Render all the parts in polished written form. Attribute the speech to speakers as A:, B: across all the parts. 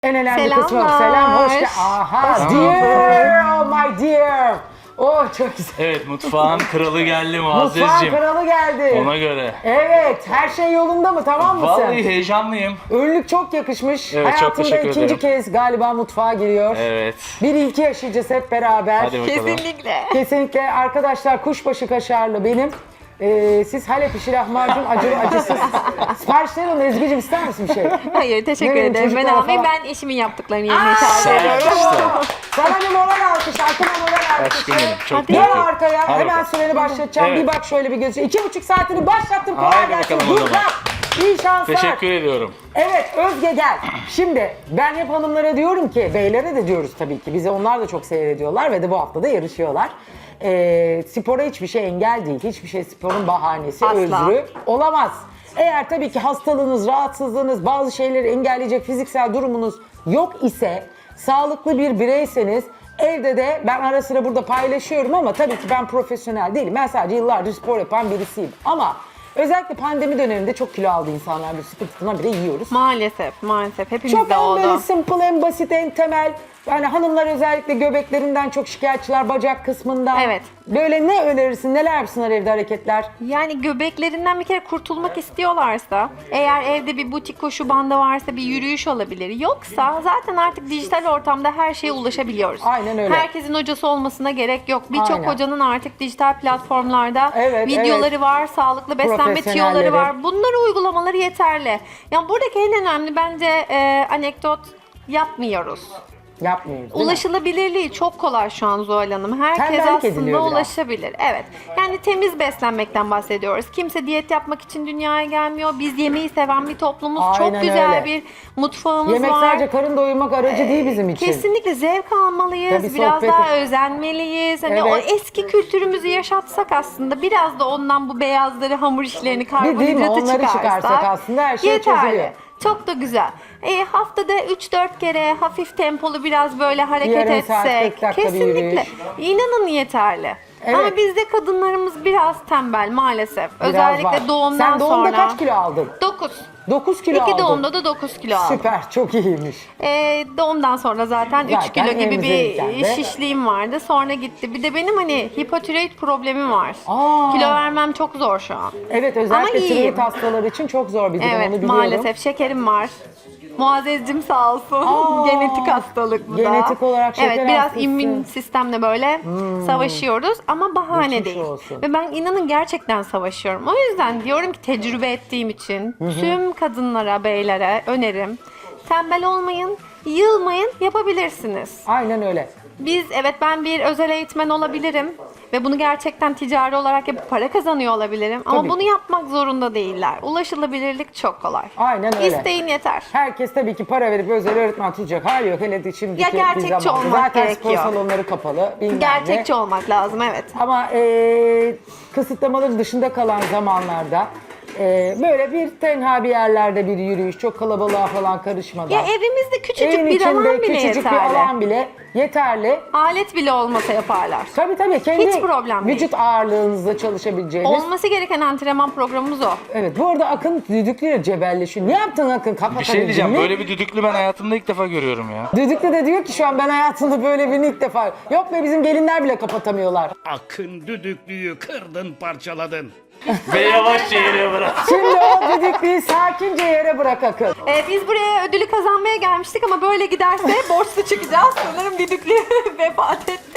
A: En önemli
B: Selamlar.
A: kısmı selam, hoş geldin. Aha, dear, oh my dear. Oh çok güzel.
C: Evet, mutfağın kralı geldi
A: Mutfağın
C: Muazzezciğim.
A: kralı geldi.
C: Ona göre.
A: Evet, her şey yolunda mı, tamam mısın?
C: Vallahi heyecanlıyım.
A: Önlük çok yakışmış.
C: Evet, çok
A: Hayatında
C: teşekkür
A: ikinci
C: ederim.
A: kez galiba mutfağa giriyor.
C: Evet.
A: Bir ilki yaşayacağız hep beraber.
C: Hadi bakalım.
B: Kesinlikle.
A: Kesinlikle arkadaşlar, kuşbaşı kaşarlı benim. Siz Halep işi lahmacun acısız. Siparişleri alın. Ezgi'cim ister misin bir şey?
B: Hayır, teşekkür
A: Ne bileyim,
B: ederim. Ben
A: çocuklara
B: almayayım.
A: falan.
B: Ben eşimin yaptıklarını yemeyi tercih ediyorum.
C: işte.
A: Sana bir moral alkış, aklıma moral
C: Aşkım
A: alkışı.
C: benim, çok
B: Hadi.
A: Gel
C: mutlu.
A: arkaya,
C: Hadi
A: hemen
C: bakalım.
A: süreni başlatacağım.
C: Evet.
A: Bir bak şöyle bir gözü. 2,5 saatini başlattım. Kolay
C: Haydi
A: gelsin.
C: bakalım o
A: Good
C: zaman.
A: luck. İyi şanslar.
C: Teşekkür ediyorum.
A: Evet Özge gel. Şimdi ben hep hanımlara diyorum ki, beylere de diyoruz tabii ki. Bizi onlar da çok seyrediyorlar ve de bu hafta da yarışıyorlar. Spora hiçbir şey engel değil. Hiçbir şey sporun bahanesi,
B: Asla.
A: özrü olamaz. Eğer tabii ki hastalığınız, rahatsızlığınız, bazı şeyleri engelleyecek fiziksel durumunuz yok ise, sağlıklı bir bireyseniz, evde de ben ara sıra burada paylaşıyorum ama tabii ki ben profesyonel değilim. Ben sadece yıllardır spor yapan birisiyim. Ama özellikle pandemi döneminde çok kilo aldı insanlar. Bir sıkıntısına bile yiyoruz.
B: Maalesef, maalesef. Hepimizde
A: Çok en böyle
B: oldu.
A: simple, en basit, en temel. Yani hanımlar özellikle göbeklerinden çok şikayetçiler, bacak kısmından.
B: Evet.
A: Böyle ne önerirsin, neler yapsınlar evde hareketler?
B: Yani göbeklerinden bir kere kurtulmak istiyorlarsa, eğer evde bir butik koşu bandı varsa bir yürüyüş olabilir. Yoksa zaten artık dijital ortamda her şeye ulaşabiliyoruz.
A: Aynen öyle.
B: Herkesin hocası olmasına gerek yok. Birçok
A: Aynen.
B: hocanın artık dijital platformlarda
A: Evet,
B: videoları var, sağlıklı beslenme
A: Profesyonelleri.
B: tiyoları var. Bunları uygulamaları yeterli. Yani buradaki en önemli bence anekdot yapmıyoruz.
A: Yapmıyoruz değil mi?
B: Ulaşılabilirliği çok kolay şu an Zuhal Hanım. Herkes
A: Tembellik ediliyor
B: aslında
A: biraz.
B: ulaşabilir. Evet. Yani temiz beslenmekten bahsediyoruz. Kimse diyet yapmak için dünyaya gelmiyor. Biz yemeği seven bir toplumuz.
A: Aynen
B: Çok güzel
A: öyle.
B: bir mutfağımız
A: Yemek
B: var.
A: sadece karın doyurmak aracı değil bizim için.
B: Kesinlikle zevk almalıyız.
A: Tabii
B: biraz
A: sohbeti-
B: daha özenmeliyiz. Hani o
A: Evet.
B: eski kültürümüzü yaşatsak aslında, biraz da ondan bu beyazları, hamur işlerini,
A: değil mi?
B: karbonhidratı
A: Onları çıkarsak aslında her şey
B: yeterli.
A: çözülüyor.
B: Çok da güzel. Haftada 3-4 kere hafif tempolu biraz böyle hareket
A: Yarım saat, 40
B: etsek.
A: dakika bir
B: Kesinlikle.
A: yürüyüş.
B: İnanın yeterli.
A: Evet.
B: Ama bizde kadınlarımız biraz tembel maalesef.
A: Biraz
B: Özellikle
A: var.
B: doğumdan
A: Sen doğumda
B: sonra.
A: kaç kilo aldın?
B: 9.
A: 9 kilo aldın.
B: İki doğumda da 9 kilo aldım.
A: Süper, çok iyiymiş.
B: Doğumdan sonra zaten 3
A: Zaten
B: kilo gibi
A: emzirirken
B: bir
A: de-
B: şişliğim vardı. Sonra gitti. Bir de benim hani hipotiroid problemim var.
A: Aa.
B: Kilo vermem çok zor şu an.
A: Evet,
B: Ama
A: özellikle
B: iyiyim.
A: tiroid hastaları için çok zor bir durum, onu
B: Evet,
A: biliyorum.
B: maalesef şekerim var. Muazzezcim sağ olsun.
A: Aa,
B: Genetik hastalık bu da.
A: genetik olarak şeker
B: Evet, biraz
A: hastası.
B: immün sistemle böyle savaşıyoruz ama bahane
A: Geçmiş
B: değil.
A: olsun.
B: Ve ben inanın gerçekten savaşıyorum. O yüzden diyorum ki, tecrübe ettiğim için tüm kadınlara, beylere önerim. Tembel olmayın, yılmayın, yapabilirsiniz.
A: Aynen öyle.
B: Ben bir özel eğitmen olabilirim ve bunu gerçekten ticari olarak yapıp para kazanıyor olabilirim. Ama
A: Tabii.
B: bunu yapmak zorunda değiller. Ulaşılabilirlik çok kolay.
A: Aynen öyle.
B: İsteyin yeter.
A: Herkes tabii ki para verip özel öğretmen tutacak hali yok. Hele de şimdiki
B: Ya gerçekçi
A: bir zamanda.
B: olmak
A: Zaten
B: gerekiyor.
A: spor salonları kapalı. bilmem ne.
B: Gerçekçi olmak lazım, evet.
A: Ama kısıtlamaların dışında kalan zamanlarda böyle bir tenha bir yerlerde bir yürüyüş, çok kalabalığa falan karışmadan.
B: Ya evimizde küçücük
A: evin
B: bir alan
A: içinde
B: bile
A: küçücük
B: yeterli.
A: bir alan bile yeterli.
B: Alet bile olmasa yaparlar.
A: Tabii kendi
B: Hiç problem değil.
A: vücut ağırlığınızla çalışabileceğiniz.
B: Olması gereken antrenman programımız o.
A: Evet, bu arada Akın düdüklüyle cebelleşiyor. Ne yaptın Akın?
C: Bir şey diyeceğim, böyle bir düdüklü ben hayatımda ilk defa görüyorum ya.
A: Düdüklü de diyor ki şu an ben hayatımda böyle birini ilk defa. Yok be, bizim gelinler bile kapatamıyorlar.
D: Akın düdüklüyü kırdın parçaladın.
C: Ve yavaşça yere bırak.
A: Şimdi o düdüklüyü sakince yere bırak Akın.
B: Biz buraya ödülü kazanmaya gelmiştik ama böyle giderse borçlu çıkacağız. Sanırım düdüklü vefat etti.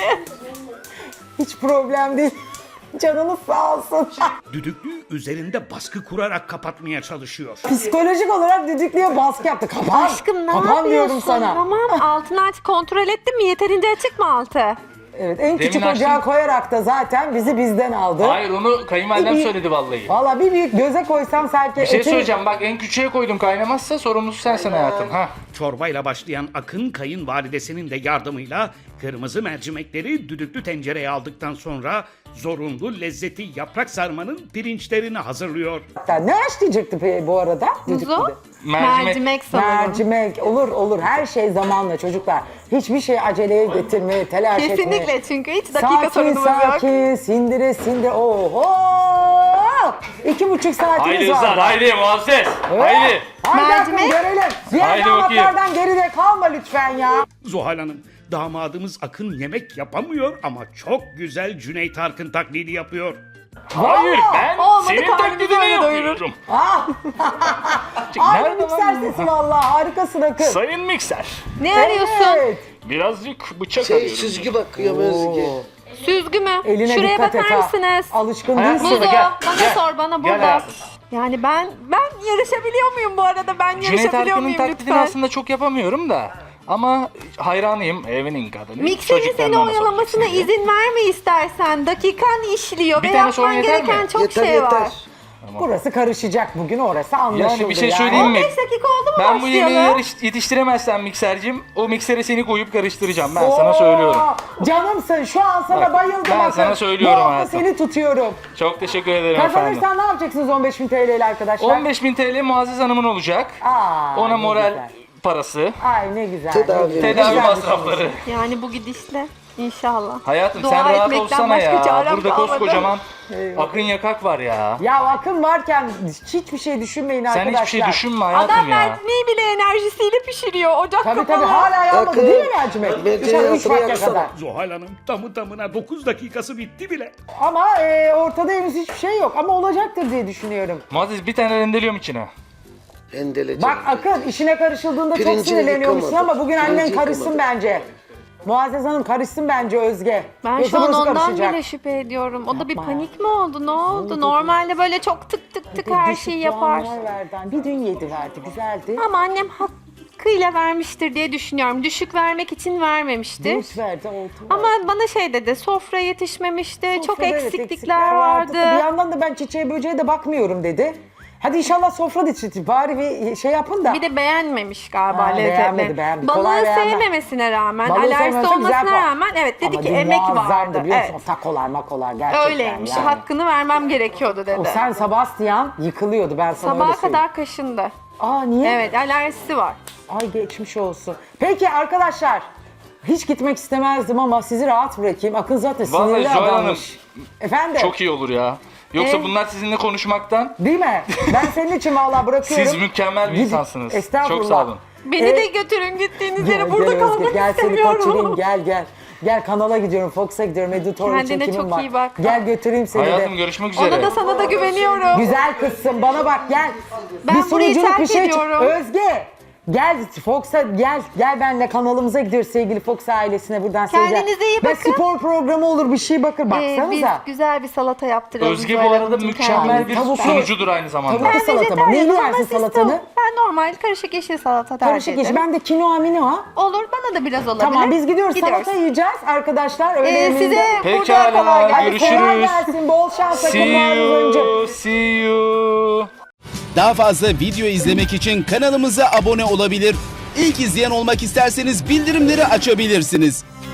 A: Hiç problem değil. Canınız sağ olsun.
D: Düdüklüyü üzerinde baskı kurarak kapatmaya çalışıyor.
A: Psikolojik olarak düdüklüye baskı yaptı. Kapan.
B: Aşkım ne
A: Kapan
B: yapıyorsun?
A: diyorum sana.
B: Tamam, altını artık kontrol ettin mi? Yeterince açık mı altı?
A: Evet, en küçük
C: Demin
A: ocağa
C: açtım.
A: koyarak da zaten bizi bizden aldı.
C: Hayır, onu kayınvalidem
A: Bir-
C: söyledi vallahi.
A: Valla bir büyük göze koysam sanki...
C: Bir şey söyleyeceğim, bak en küçüğe koydum, kaynamazsa sorumlusu sensin hayatım. Ha.
D: Çorbayla başlayan Akın kayınvalidesinin de yardımıyla kırmızı mercimekleri düdüklü tencereye aldıktan sonra zorunlu lezzeti yaprak sarmanın pirinçlerini hazırlıyor.
A: Ne haşlayacaktı bu arada?
B: Kuzu,
A: Düdüklüde?
B: mercimek sanırım.
A: Mercimek olur her şey zamanla çocuklar. Hiçbir şey aceleye getirmeye, telaş etmeye.
B: Kesinlikle, çünkü hiç dakika
A: Sakin
B: sorunumuz yok.
A: sakin sindire. Oho! 2,5 saatimiz
C: Haydi
A: var.
C: Hızlar, haydi Muazzez. Haydi.
A: Haydi Akın
B: Mercimek.
A: görelim. Diğer
C: Haydi
A: damatlardan geride kalma lütfen ya.
D: Zuhal Hanım, damadımız Akın yemek yapamıyor ama çok güzel Cüneyt Arkın taklidi yapıyor.
C: Hayır, ben
B: Olmadı,
C: senin
B: karnını
C: taklidini
B: böyle
C: yapıyorum.
A: Aynı
C: Nerede
A: mikser
C: lan bu?
A: sesi vallahi harikasın Akın.
C: Sayın mikser,
B: Ne arıyorsun?
A: Evet.
C: birazcık bıçak
E: Şey
C: arıyorum.
E: süzgü bakıyor Özge.
B: Süzgü mü?
A: Eline
B: Şuraya
A: dikkat et
B: bakar
A: ha.
B: mısınız?
A: Alışkın
C: Hayatım,
A: değilsin.
B: Muzo,
C: Gel,
B: bana
C: gel.
B: sor, bana
C: Gel
B: burada.
C: hayatım.
B: Yani ben yarışabiliyor muyum bu arada? Ben
C: Cüneyt
B: yarışabiliyor
C: Arkın'ın
B: muyum
C: taklidini
B: lütfen?
C: aslında çok yapamıyorum da. Ama hayranıyım, evinin kadını.
B: Mikserin
C: Çocuklarına
B: seni
C: ona
B: oyalamasına
C: soracaksın diye.
B: izin verme istersen. Dakikan işliyor
C: Bir
B: ve
C: tane sorun
B: yapman
C: yeter mi?
B: gereken çok
E: Yeter
B: şey
E: yeter.
B: var.
A: Burası karışacak bugün, orası anlaşıldı.
C: Yani bir şey söyleyeyim mi?
B: 15 dakika oldu mu
C: Ben bu yemeği
B: başlayalım?
C: yetiştiremezsem miksercim, o miksere seni koyup karıştıracağım. Ben sana söylüyorum.
A: Canımsın, şu an sana
C: Bak,
A: bayıldım
C: ben
A: Akın.
C: sana söylüyorum
A: Bu hafta
C: hayatım.
A: seni tutuyorum.
C: Çok teşekkür ederim efendim.
A: Kazanırsan ne yapacaksınız 15.000 TL ile arkadaşlar?
C: 15.000 TL Muazzez Hanım'ın olacak.
A: Aa,
C: Ona
A: ne
C: moral
A: güzel.
C: parası,
A: Ay ne güzel.
E: Tedavi.
A: ne güzel.
C: tedavi
A: Güzel
C: masrafları.
B: Yani bu gidişle inşallah.
C: Hayatım
B: Dua
C: sen rahat
B: etmekten
C: olsana
B: başka
C: ya.
B: çarem
C: Burada
B: kalmadı.
C: koskocaman Akın Yakak var ya.
A: Ya Akın varken hiçbir şey düşünmeyin
C: Sen
A: arkadaşlar.
C: hiçbir şey düşünme hayatım
B: Adam
C: ya.
B: mercimeği bile enerjisiyle pişiriyor. Ocak
A: Tabii
B: kapalı.
A: hala yanmadı
E: Akın,
A: değil mi mercimek?
E: mercimeği
A: Dışarı 3
E: altına
A: vakte
E: yaksana.
A: kadar.
D: Zuhal Hanım tamı tamına 9 dakikası bitti bile.
A: Ama ortada henüz hiçbir şey yok. Ama olacaktır diye düşünüyorum.
C: Muazzez bir tane rendeliyorum içine.
E: Rendeleyeceğim.
A: Bak Akın işine karışıldığında çok
E: Pirincini
A: sinirleniyormuşsun
E: yıkamadı.
A: ama bugün annen
E: Pirinci
A: karışsın
E: yıkamadı.
A: bence. Muazzez Hanım karışsın bence Özge.
B: Ben
A: Yoksa
B: şu an
A: burası
B: ondan
A: karışacak.
B: bile şüphe ediyorum. O da bir
A: Yapma.
B: panik mi oldu? Ne oldu? Normalde böyle çok tık tık tık her
A: Düşük
B: şeyi yapar.
A: puanlar verdi. Bir dün 7 verdi. Güzeldi.
B: Ama annem hakkıyla vermiştir diye düşünüyorum. Düşük vermek için vermemiştir.
A: Dört verdi. Oldu.
B: Ama bana şey dedi, sofra yetişmemişti, çok
A: Sofrada evet,
B: eksiklikler vardı.
A: Bir yandan da ben çiçeğe böceğe de bakmıyorum dedi. Hadi inşallah sofra da bari bir şey yapın da.
B: Bir de beğenmemiş galiba
A: Ha,
B: lezzetini.
A: beğenmedi.
B: Balığı
A: Kolay beğenmez.
B: sevmemesine rağmen,
A: Balığı
B: alerjisi
A: sevmemesi güzel
B: olmasına
A: puan.
B: rağmen evet dedi
A: Ama
B: ki
A: dün
B: emek
A: muazzamdı
B: vardı.
A: biliyor musun?
B: Evet.
A: Takolar makolar gerçekten
B: Öyleymiş.
A: yani.
B: Hakkını vermem gerekiyordu dedi.
A: O sen Sebastian yıkılıyordu ben sana öyle
B: Sabaha
A: söyleyeyim.
B: kadar kaşındı.
A: Aa niye?
B: Evet, alerjisi var.
A: Ay geçmiş olsun. Peki arkadaşlar hiç gitmek istemezdim ama sizi rahat bırakayım. Akın zaten
C: Vallahi
A: sinirli
C: Zuhal Hanım,
A: adammış. Efendim?
C: Çok iyi olur ya. Yoksa
B: Evet.
C: bunlar sizinle konuşmaktan.
A: Değil mi? Ben senin için vallahi bırakıyorum.
C: Siz mükemmel bir
A: Gidin.
C: insansınız.
A: Estağfurullah.
C: Çok sağ olun.
B: Beni de götürün gittiğiniz yere,
A: Gel,
B: burada
A: gel
B: kalmak
A: Özge, gel seni
B: istemiyorum.
A: kaçırayım gel. Gel kanala gidiyorum, Fox'a gidiyorum, editör için
B: Kendine
A: kimim
B: çok
A: var.
B: iyi bak.
A: Gel götüreyim seni
C: Hayatım
A: de.
C: görüşmek üzere.
B: Ona da sana da güveniyorum.
A: Güzel kızsın bana bak gel.
B: Ben
A: bir
B: burayı
A: sunuculuk
B: terk
A: bir şey
B: ediyorum.
A: Özge. Gel Fox'a gel benimle kanalımıza gidiyoruz sevgili Fox ailesine buradan
B: Kendinize iyi
A: Ve
B: bakın.
A: spor programı olur bir şey bakın
B: Biz
A: baksanıza.
B: güzel bir salata yaptıralım.
C: Özge
B: Zuhal
C: bu arada
B: Hanımcığım
C: mükemmel
B: kendimize.
C: bir
A: Tavuklu-
C: sunucudur aynı zamanda.
A: Tavuklu salata mı?
B: Vejetaryenim
A: Neyli
B: ama
A: yersin
B: siz
A: salatanı?
B: tavuk. Ben normal karışık yeşil salata tercih
A: Karışık
B: ederim.
A: iş. Ben de kinoa minoa.
B: Olur, bana da biraz olabilir.
A: Tamam biz gidiyoruz. Salata yiyeceğiz arkadaşlar. Öyle yemeğinde-
B: Size burada
C: Pekala,
B: kolay gelsin.
A: Hadi kolay
C: görüşürüz.
A: gelsin. Bol şans.
C: See
A: Akın Muazzez
C: you, see you.
F: Daha fazla video izlemek için kanalımıza abone olabilir. İlk izleyen olmak isterseniz bildirimleri açabilirsiniz.